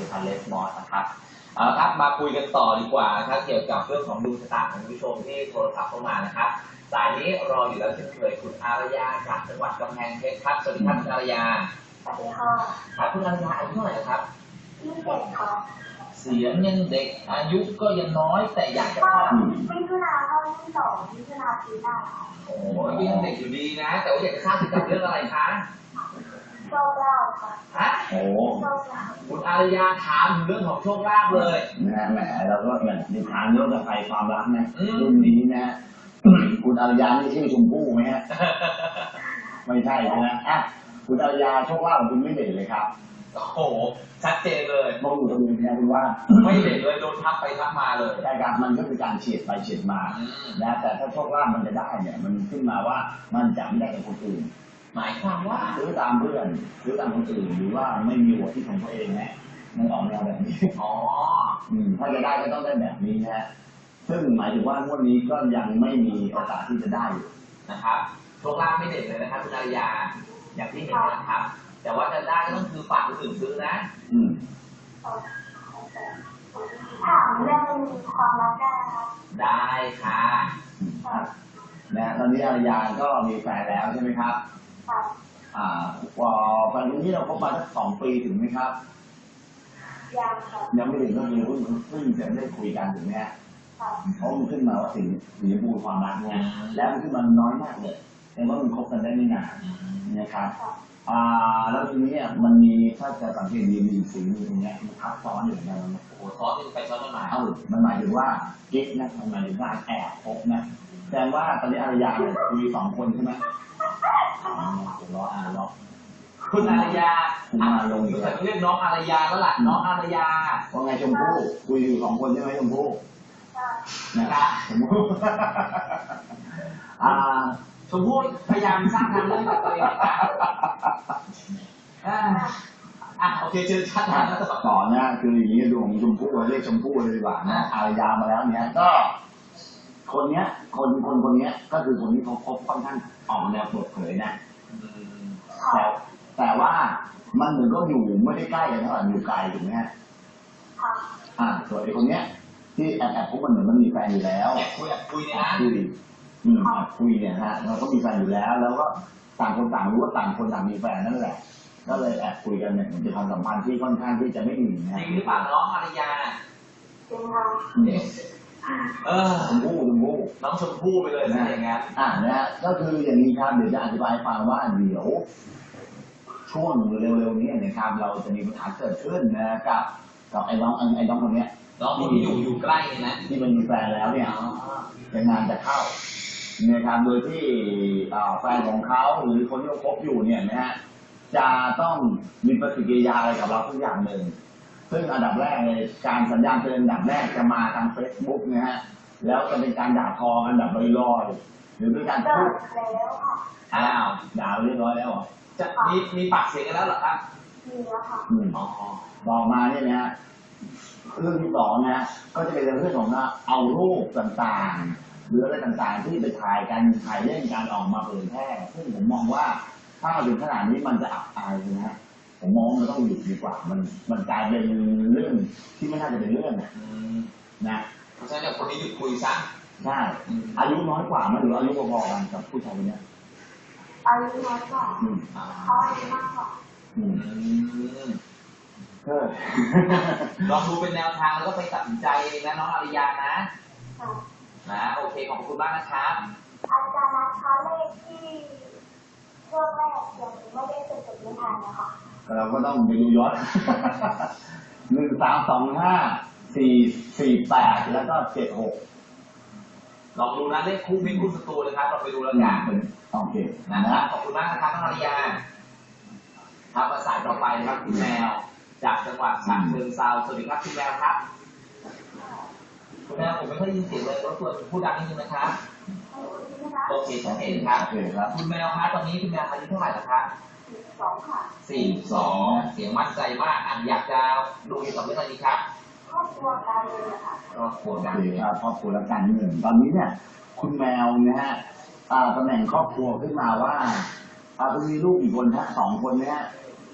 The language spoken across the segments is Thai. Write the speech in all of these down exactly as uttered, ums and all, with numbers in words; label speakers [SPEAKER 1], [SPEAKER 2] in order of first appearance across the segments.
[SPEAKER 1] ภัณฑ์เลสมอสนะครับเอาละครับมาคุยกันต่อดีกว่านะครับเกี่ยวกับเรื่องของดวงชะตาของผู้ชมที่โทรศัพท์เข้ามานะครับสายนี้รออยู่แล้วเช่นเคยคุณอารยาจากจังหวัดกำแพงเพชรครับสวัสดีครับคุณอารยา
[SPEAKER 2] สวัสดีค่ะ
[SPEAKER 1] ครับคุณอารยาอายุเท่าไหร่ครับ
[SPEAKER 2] ยี่สิบเจ็ดค่ะ
[SPEAKER 1] เสียงยังเด็กอายุก็ยังน้อยแต่อยากจะ
[SPEAKER 2] เข้ามิถุนาเข้าที่สองมิถุนาปีหน้า
[SPEAKER 1] โอ้ยยังเด็กอยู่ดีนะแต่ว่าอยากจะทราบถึงกับเรื่องอะไรคะ
[SPEAKER 2] โชคลาภค่ะ
[SPEAKER 1] ฮะโอ้คุณอารยาถามถึงเรื่องของโชคลาภเลย
[SPEAKER 3] นะแหมเราก็เหมือนในทางโลกกับไฟความรักนะรุ่นนี้นะคุณอารยานี่ชื่อชมพู่ไหมฮะไม่ใช่นะอ่ะคุณอารยาโชคลาภของคุณไม่เด่นเลยครับ
[SPEAKER 1] โอ้โหชัดเจนเลย
[SPEAKER 3] มองอยู่ตรงนี้นะคุณว่า
[SPEAKER 1] ไม่เด่นเลยโดนทับไปทับมาเลย
[SPEAKER 3] ใช่ครับมันก็คือการเฉียดไปเฉียดมานะแต่ถ้าโชคลาภมันจะได้เนี่ยมันขึ้นมาว่ามันจะไม่ได้กับคนอื่น
[SPEAKER 1] หมายความว่า
[SPEAKER 3] ซื้อตามเพื่อนซื้อตามคนอื่นหรือว่าไม่มีหัวที่ของตัวเองนะมันออกแนวแบบนี้
[SPEAKER 1] อ๋อ
[SPEAKER 3] อืมถ้าจะได้ก็ต้องได้แบบนี้นะซึ่งหมายถึงว่างวดนี้ก็ยังไม่มีโอกาสที่จะได้อยู่
[SPEAKER 1] นะครับโชคลาภไม่เด่นเลยนะครับคุณอารยาอย่างที่เห็นนะครับแต่ว่าจะได้ก็ต้องคือฝากคนอื่นซื้อนะ
[SPEAKER 3] อืม
[SPEAKER 2] ถามเรื่องความรักได้ครับ
[SPEAKER 1] ได้ค่ะ
[SPEAKER 3] นะตอนนี้อารยาก็มีแฟนแล้วใช่ไหมครับ
[SPEAKER 2] ครับ
[SPEAKER 3] อ่าว่าแฟนคนนี้เราคบมาสักสองปีถึงไหมครับ
[SPEAKER 2] ยังครับ
[SPEAKER 3] ยังไม่ถึงก็คือเพิ่งเพิ่งจะได้คุยกันถึงไหมฮะเพราะมันขึ้นมาว่าถึงสีชมพูความรักเนี่ยแล้วมันขึ้นมาน้อยมากเลยแต่ว่ามันคบกันได้ไม่นานนะครับอ่าแล้วทีนี้มันมีถ้าจะสังเกตดีมีสีมีตรงนี้มันทับซ้อนอยู่อย่างนั้น
[SPEAKER 1] โอ้ซ้อนไปซ้อนมา
[SPEAKER 3] เอ้ามันหมายถึงว่ากิ๊กนะมันหมายถึงว่าแอบคบนะแสดงว่าตอนนี้อารยาเนี่ยคุยสองคนใช่ไหมอ๋อล้ออ่านล้อ
[SPEAKER 1] คุณอารยา
[SPEAKER 3] คุณมาลง
[SPEAKER 1] อยู่แต่ต้องเรียกน้องอารยาแล้วล่ะน้องอารยา
[SPEAKER 3] ว่าไงชมพู่คุยอยู่สองคนใช่ไหมชมพู่นะครับชมพู่อ่า
[SPEAKER 1] ชมพู่พยายามสร้างทางเรื่องกับตัวเองนะอ่ะโอเคเชิญชัดนะ
[SPEAKER 3] ต่อนะคืออย่างนี้ดวงชมพู่เรียกชมพู่เลยดีกว่านะอารยามาแล้วเนี้ยก็คนเนี้ยคนคนคนเนี้ยก็คือคนที่เขาคบค่อนข้างออกแนวเปิดเผยนะแต่แต่ว่ามันเหมือนก็อยู่ไม่ได้ใกล้กันเท่าไหร่อยู่ไกลถูกไหมฮะอ่าส่วนไอ้คนเนี้ยที่แอบแอบพบมันเหมือนมันมีแฟนอยู่แล้ว
[SPEAKER 1] แอบคุยแอบคุยเนี่ยนะ
[SPEAKER 3] คุยอืมแอบคุยเนี่ยฮะเราก็มีแฟนอยู่แล้วแล้วก็ต่างคนต่างรู้ว่าต่างคนต่างมีแฟนนั่นแหละก็เลยแอบคุยกันเนี่ยมันจะความสัมพันธ์ที่ค่อนข้างที่จะไม่ดีนะ
[SPEAKER 1] จริงหรือเปล่าน้องอารยา
[SPEAKER 2] จริงค่ะ
[SPEAKER 1] เออ
[SPEAKER 3] ชมพู่ชมพู่
[SPEAKER 1] น้องชมพู่ไปเลยนะอย่างงั้น
[SPEAKER 3] อ่านะฮะก็คืออย่างนี้ครับเดี๋ยวจะอธิบายฟังว่าเดี๋ยวช่วงเร็วๆนี้นะครับเราจะมีปัญหาเกิดขึ้นนะกับกับไอ้น้องไอ้น้องคนเนี้ย
[SPEAKER 1] น้องที่อยู่อยู่ใกล้เนี่ยนะ
[SPEAKER 3] ที่มันมีแฟนแล้วเนี่ยจะงานจะเข้านะครับโดยที่แฟนของเขาหรือคนที่เขาคบอยู่เนี่ยนะฮะจะต้องมีปฏิกิริยาอะไรกับเราทุกอย่างหนึ่งซึ่งอันดับแรกเลยการสัญญาณเตือนอันดับแรกจะมาทางเฟซบุ๊กนะฮะแล้วจะเป็นการด่าทอกันแบบลอยๆหรือเป็นการพูด
[SPEAKER 1] อ้าว
[SPEAKER 3] ด่าเรียบร้อยแล้ว
[SPEAKER 1] จะมีมีปากเสียงกันแล้วเหรอครับ
[SPEAKER 2] มีแล้วค่ะ
[SPEAKER 3] อ๋อบอกมาเนี่ยนะฮะเรื่องที่สองนะก็จะเป็นเรื่องของเอารูปต่างๆหรืออะไรต่างๆที่ไปถ่ายกันถ่ายเล่นการออกมาเผยแพร่ซึ่งผมมองว่าถ้าถึงขนาดนี้มันจะอับอายนะฮะผมมองมันต้องหยุดดีกว่ามันมันกลายเป็นเรื่องที่ไม่น่าจะเป็นเรื่องนะ
[SPEAKER 1] เพราะฉะนั้นคนนี้หยุดคุยซะ
[SPEAKER 3] ใช่อายุน้อยกว่ามันหรืออายุพอๆกันกับผู้ชายคนนี้
[SPEAKER 2] อายุน้อยกว่าเขาอายุมากกว่า
[SPEAKER 1] ลองดูเป็นแนวทางแล้วก็ไปตัดสินใจเองนะน้องอารยานะนะโอเคขอบคุณมากนะครับ
[SPEAKER 2] อาจารย์นะคะเลขที่ช่วงแรกยังไม่ได้จดจดไม่ทันนะคะ
[SPEAKER 3] เราก็ต้องไปดูย้อนหนึ่งสามสองห้าสี่สี่แปดแล้วก็เจ็ดหก
[SPEAKER 1] ลองดูนะเลขคู่มิตรคู่ศัตรูเลยครับเราไปดูแล้วกัน
[SPEAKER 3] โอเค
[SPEAKER 1] นะขอบคุณมากนะครับน้องอารยาครับมาสายต่อไปนะครับคุณแมวจากจังหวัดฉะเชิงเทราสวัสดีครับคุณแมวครับคุณแมวผมไม่ค่อยยินเสียงเลยรบกวนพูดดังนิดนึงนะครับโอเคชัดเจนครับคุณแมวครับตอนนี้คุณแมวอายุเท่าไหร่แล้วครับ
[SPEAKER 2] สี่สองค่ะ
[SPEAKER 1] สี่สองเสียงมั่นใจมากอ่ะอยากจะดูเกี่ยวกับเรื่องอะไรดีครับ
[SPEAKER 2] ครอบครัวการเงินค่ะ
[SPEAKER 1] ครอบครัวการ
[SPEAKER 3] เงินครับครอบครัวและการเงินตอนนี้เนี่ยคุณแมวนะฮะตำแหน่งครอบครัวขึ้นมาว่าคุณมีลูกกี่คนฮะสองคนเนี่ย
[SPEAKER 2] ส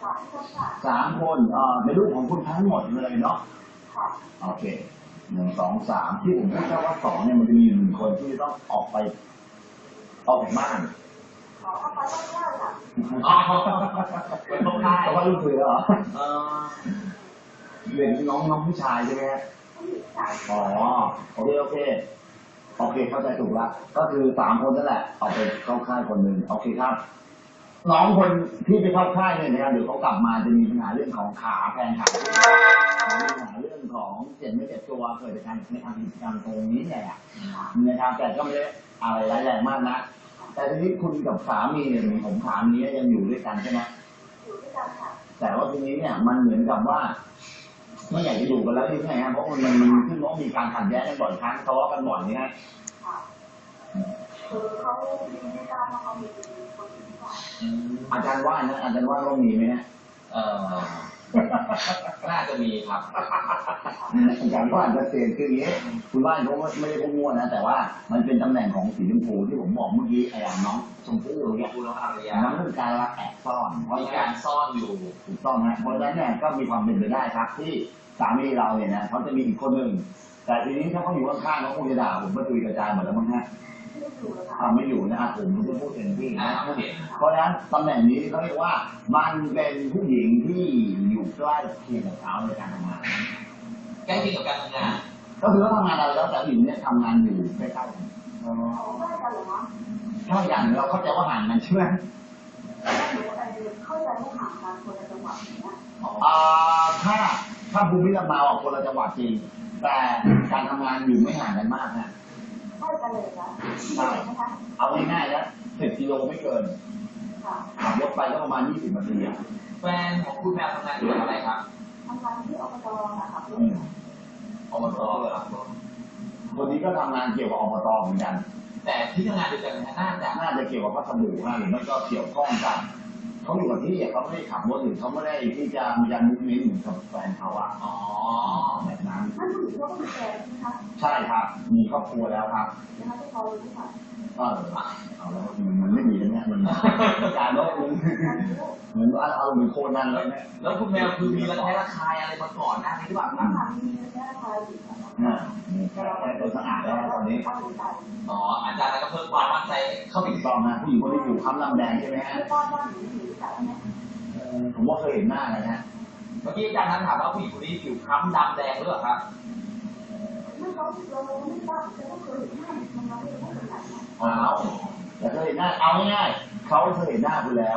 [SPEAKER 2] สามคนค่ะ
[SPEAKER 3] สามคนเอ่อในรูปของคุณทั้งหมดเลยเนาะ
[SPEAKER 2] ค่ะ
[SPEAKER 3] โอเคหนึ่งสองสามที่ผมพูดแค่ว่าสองเนี่ยมันจะมีอยู่หนึ่งคนที่ต้องออกไปออกจากบ้าน
[SPEAKER 2] ขอเข้าไปต้องเล่าค่ะ
[SPEAKER 1] อ๋อเป็นพวกได้
[SPEAKER 3] เพราะว่าลูกเสือเหรอ
[SPEAKER 1] เออ
[SPEAKER 3] เรียนน้องน้องผู้ชายใช่ไหมฮะ
[SPEAKER 2] ผู้หญิงค่ะ
[SPEAKER 3] อ๋อโอเคโอเคโอเคเข้าใจถูกละก็คือสามคนนั่นแหละเอาไปเข้าค่ายคนหนึ่งโอเคครับ น้องคนที่ไปเข้าค่ายเนี่ยนะครับเดี๋ยวเขากลับมาจะมีปัญหาเรื่องของขาแพงขามีปัญหาเรื่องของเจ็บไม่เจ็บตัวเกิดจากการในทางกิจกรรมตรงนี้เนี่ยนะครับแต่ก็ไม่ได้อะไรร้ายแรงมากนะแต่ทีนี้คุณกับสามีเนี่ยผมถามนี้ยังอยู่ด้วยกันใช่ไหม
[SPEAKER 2] อยู่ด้วยกันค่ะ
[SPEAKER 3] แต่ว่าทีนี้เนี่ยมันเหมือนกับว่าไม่อยากจะอยู่กันแล้วใช่ไหมครับเพราะมันมันมันขึ้นว่ามีการขัดแย้งกันบ่อยครั้งทะเลาะกันบ่อยนี่ฮะ
[SPEAKER 2] ค่ะคือเขามีไม่ทราบว่าเขามีคนอื่นหรือเปล่า
[SPEAKER 1] อืม
[SPEAKER 3] อาจารย์ว่านะอาจารย์ว่าต้องมีไหมฮะ
[SPEAKER 1] เออน่าจะมีครับ
[SPEAKER 3] อาจารย์ว่าอาจจะเสียคืออย่างนี้คุณว่าเขาไม่ได้พูดมั่วนะแต่ว่ามันเป็นตำแหน่งของสีชมพูที่ผมบอกเมื่อกี้ไอ้น้องชมพู่เนี่ย
[SPEAKER 1] คุณน้องอารยา
[SPEAKER 3] มันเรื่องการรักแอบซ่อนเพราะ
[SPEAKER 1] มี
[SPEAKER 3] กา
[SPEAKER 1] การ รซ่อนอยู่
[SPEAKER 3] ถูกต้องนะเพราะฉะนั้นเนี่ยก็มีความเป็นไปได้ครับ ที่สามีเราเนี่ยนะเขาจะมีอีกคนหนึ่งแต่ทีนี้ถ้าเขาอยู่ข้างๆเขาคงจะด่าผมก็ตุยกระจายหมดแล้วมั้งฮะ
[SPEAKER 2] ไม่ได้อยู่เลยค่ะ
[SPEAKER 3] อ่าไม่อยู่นะอ่ะผมจะพูดเองที่
[SPEAKER 1] อ่า
[SPEAKER 3] นะ
[SPEAKER 1] โอเค
[SPEAKER 3] เพราะฉะนั้นตำแหน่งนี้เขาเรียกว่ามันเป็นผู้หญิงที่อยู่ใกล้เคียงกับเขาในการทำงาน
[SPEAKER 1] ใกล้เคียงกับการทำงาน
[SPEAKER 3] ก็คือเขาทำงานอะไรแล้วแต่ผู้หญิงเนี่ยทำงานอยู่ใกล้ๆกัน
[SPEAKER 2] เขาไม่ได้กันเหรอคะ
[SPEAKER 3] ถ้าอย่างเราเข้าใจว่าห่างกันใช่ไหม
[SPEAKER 2] ไม่รู้อะไรเลยเข้าใจว่าห่างกันคนละจังหวัดอย่างเงี้ย
[SPEAKER 3] อ่าถ้าถ้าภูมิลำเนาอ่ะคนละจังหวัดจริง แต่การทำงานอยู่ไม่ห่างกันมากนะ
[SPEAKER 2] ใช่กันเลยนะใช่ไหมคะ
[SPEAKER 3] เอาง่ายๆนะสิบกิโลไม่เกิน
[SPEAKER 2] ค่ะ
[SPEAKER 3] ขับรถไปก็ประมาณยี่สิบนาทีอ่ะ
[SPEAKER 1] แฟนของคุณแมวทำงานอยู่กับอะไรครับ
[SPEAKER 2] ทำงานที่อบตนะคะ
[SPEAKER 3] อืม
[SPEAKER 1] อบตเลยครับ
[SPEAKER 3] คนนี้ก็ทำงานเกี่ยวกับอบตเหมือนกัน
[SPEAKER 1] แต่ที่ทำงานเดียวกันนะน่าจะ
[SPEAKER 3] น่าจะเกี่ยวกับพัสดุนะหรือไม่ก็เกี่ยวข้องกันเขาอยู่กับที่อ่ะเขาไม่ได้ขับรถหรือเขาไม่ได้ที่จะมีการมุกมิ้นเหมือนกับแฟนเขาอ่ะ
[SPEAKER 1] อ๋อ
[SPEAKER 3] แบบนั้น
[SPEAKER 2] นั่นผู้หญิงเขาก็มีแฟนใช่ไหมคะ
[SPEAKER 3] ใช่ครับ มีครอบครัวแล้วครับ
[SPEAKER 2] นะคะที่เขารู้ค่ะ
[SPEAKER 3] เออเอาแล้วมันไม่ดีแล้วเนี่ยมันการลดมันเหมือนเอาเอาเหมือนโคนันเลยเนี่ย
[SPEAKER 1] แล้วคุณแมวคือมีระแคะระคายอะไรมาก่อนหน้านี้หรือเปล่าครับ
[SPEAKER 2] ทำมีเนื้อทายอยู่ค่ะ
[SPEAKER 3] อ่ามีแค่แค่ตัวสะอาดแล้วตอนนี้
[SPEAKER 2] เอาอยู่ใจ
[SPEAKER 1] อ๋ออาจารย์ก็เพิ่มความมั่นใจเข้าไป
[SPEAKER 3] ถู
[SPEAKER 1] อี
[SPEAKER 3] ก
[SPEAKER 1] ก
[SPEAKER 3] ต้องนะผู้หญิงคนที่อยู่ค้ำลำแดงใช่ไหมฮะ
[SPEAKER 2] ไม่ต้อนว่าหนูหนูแต่เนี่ย
[SPEAKER 3] เออผมว่าเคยเห็นหน้าเลยนะ
[SPEAKER 1] เมื่อกี้อาจารย์นั้นถามว่าผู้หญิงคนนี้ผิวคล้ำดำแดงหรือเปล่าครับ
[SPEAKER 2] ไม่เขาเราไม่ทราบแต่ก็เคยเห็นหน้ามันเราไม่รู้เป็นไหนนะ
[SPEAKER 3] เอาแต่เคยเห็นหน้าเอาง่ายๆเขาเคยเห็นหน้าคุณแล้ว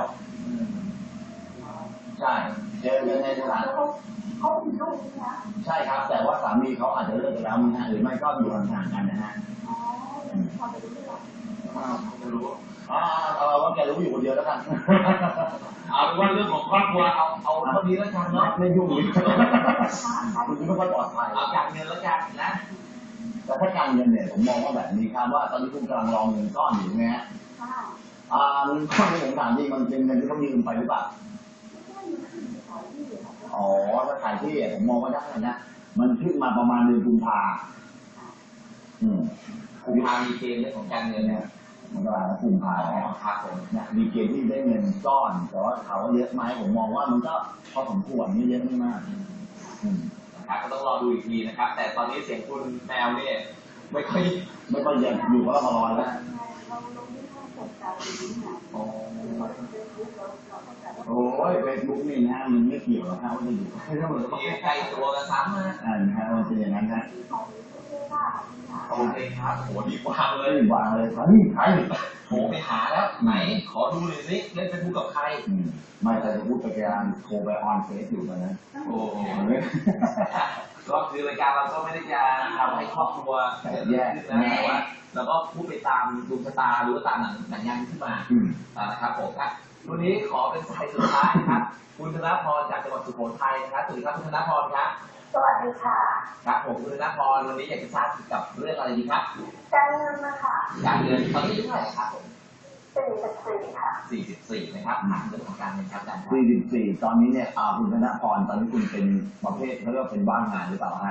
[SPEAKER 3] ใช่เจอกันในสถาน
[SPEAKER 2] เขาเขามีลูกใช่ไหม
[SPEAKER 3] ใช่ครับ แต่ว่าสามีเขาอาจจะเลิกกันแล้วนะฮะหรือไม่ก็อยู่ห่างๆกันนะฮะ
[SPEAKER 2] อ๋อพอไปดูที่หลัง
[SPEAKER 1] ไม่รู้
[SPEAKER 3] อ่าเอาว่าแกรู้อยู่คนเดียวแล้วกัน
[SPEAKER 1] เอาเป็นว่าเรื่องของครอบครัวเอาเอาเท่านี้แล้วกันเนาะ
[SPEAKER 3] ไม่ยุ่งเลยคุณไม่ค่อยปลอดภัย
[SPEAKER 1] เอาการเงินแล้วกันนะ
[SPEAKER 3] แต่ถ้าการเงินเนี่ยผมมองว่าแบบนี้ครับว่าตอนนี้คุณกำลังรองเงินก้อนอยู่ไงฮะ
[SPEAKER 2] ค่ะ
[SPEAKER 3] อ่าเงินก้อนที่ผมถามจริงมันเป็นเงินที่เขายืมไปหรือเปล่า
[SPEAKER 2] ไม่ใช่มันขึ้นขายที่ค่ะ
[SPEAKER 3] อ๋อถ้าขายที่อ่ะผมมองว่าได้นะมันขึ้นมาประมาณเดือนกุมภาอืม
[SPEAKER 1] คุณพามีเกณฑ์เรื่องของการเงินเนี่ย
[SPEAKER 3] มันก็แล้วกุมภา
[SPEAKER 1] อ๋อ
[SPEAKER 3] แล้ว
[SPEAKER 1] ครับผม
[SPEAKER 3] เนี่ยมีเกณฑ์ที่ได้เงินก้อน แต่ว่าถามว่าเยอะไหมผมมองว่ามันก็พอสมควรไม่เยอะไม่มากอืม
[SPEAKER 1] นะครับก็ต้องรอดูอีกทีนะครับ แต่ตอนนี้เสียงคุณแมวเนี่ยไม่ค่อย
[SPEAKER 3] ไม่ค่อยเยอะอยู่กับเรามาลอยแล้ว
[SPEAKER 2] เราลงที่ห้องสดการนี้นะ
[SPEAKER 1] อ๋อ
[SPEAKER 2] เราเป็นรู้เราเราต้องการว่า
[SPEAKER 3] โอ้ยเฟซบุ๊กนี่นะมันไม่เกี่ยวหรอกครับว่าจะอยู่ไม่ต้องเหมือนกับ
[SPEAKER 1] มีใกล้ตัวกันซ้ำนะ
[SPEAKER 3] อ่านะฮะมันเป็นอย่างนั้นฮะ
[SPEAKER 2] ที่เขาเสื้อผ้าที่หา
[SPEAKER 1] โอเคครับโหดีกว่าเล
[SPEAKER 3] เฮ้
[SPEAKER 1] ย
[SPEAKER 3] ยวางเลยใครใคร
[SPEAKER 1] โทรไปหาแล้วไหนขอดูหน่อยสิเล่นเฟซบุ๊กกับใคร
[SPEAKER 3] อืมไม่แต่จะพูดไปการโทรไปออนเฟซอยู่ตอนนั้น
[SPEAKER 1] โอ้โหก็คือรายการเราก็ไม่ได้จะทำให้ครอบครัวแย่ขึ้นนะแต่ว่าเราก็พูดไปตามดวงชะตาหรือว่าตามหนังหนังยางขึ้นมา
[SPEAKER 3] อืม
[SPEAKER 1] อ่านะครับผมครับวันนี้ขอเป็นสายสุดท้ายนะครับ คุณธนพรจากจังหวัดสุโขทัยนะครับสวัสดีครับคุณธนพรครับ
[SPEAKER 2] สวัสดีค่ะ
[SPEAKER 1] ครับผมคุณธนพรวันนี้อยากจะทราบเกี่ยวกับเรื่องอะไรดีครับ
[SPEAKER 2] การเงินนะคะ
[SPEAKER 1] การเงินตอนนี้อายุเท่าไหร่ครับผม
[SPEAKER 2] สี่สิบสี่ค่ะ
[SPEAKER 1] สี่สิบสี่นะครับถามเรื่องของการเงินครับอาจารย์ครับ
[SPEAKER 3] สี่สิบสี่ตอนนี้เนี่ยอ่าคุณธนพรตอนนี้คุณเป็นประเภทเขาเรียกว่าเป็นบ้านงานหรือเปล่าฮะ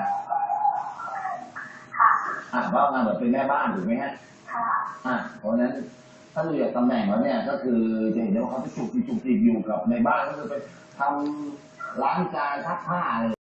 [SPEAKER 2] ค่ะ
[SPEAKER 3] อ่าบ้านงานแบบเป็นแม่บ้านถูกไหมฮะ
[SPEAKER 2] ค่ะ
[SPEAKER 3] อ่าเพราะฉะนั้นถ้าดูจากตำแหน่งแล้วเนี่ยก็คือจะเห็นได้ว่าเขาจะจุกจิกจุกจิกอยู่กับในบ้านก็คือเป็นทำล้างจานซักผ้าอะไร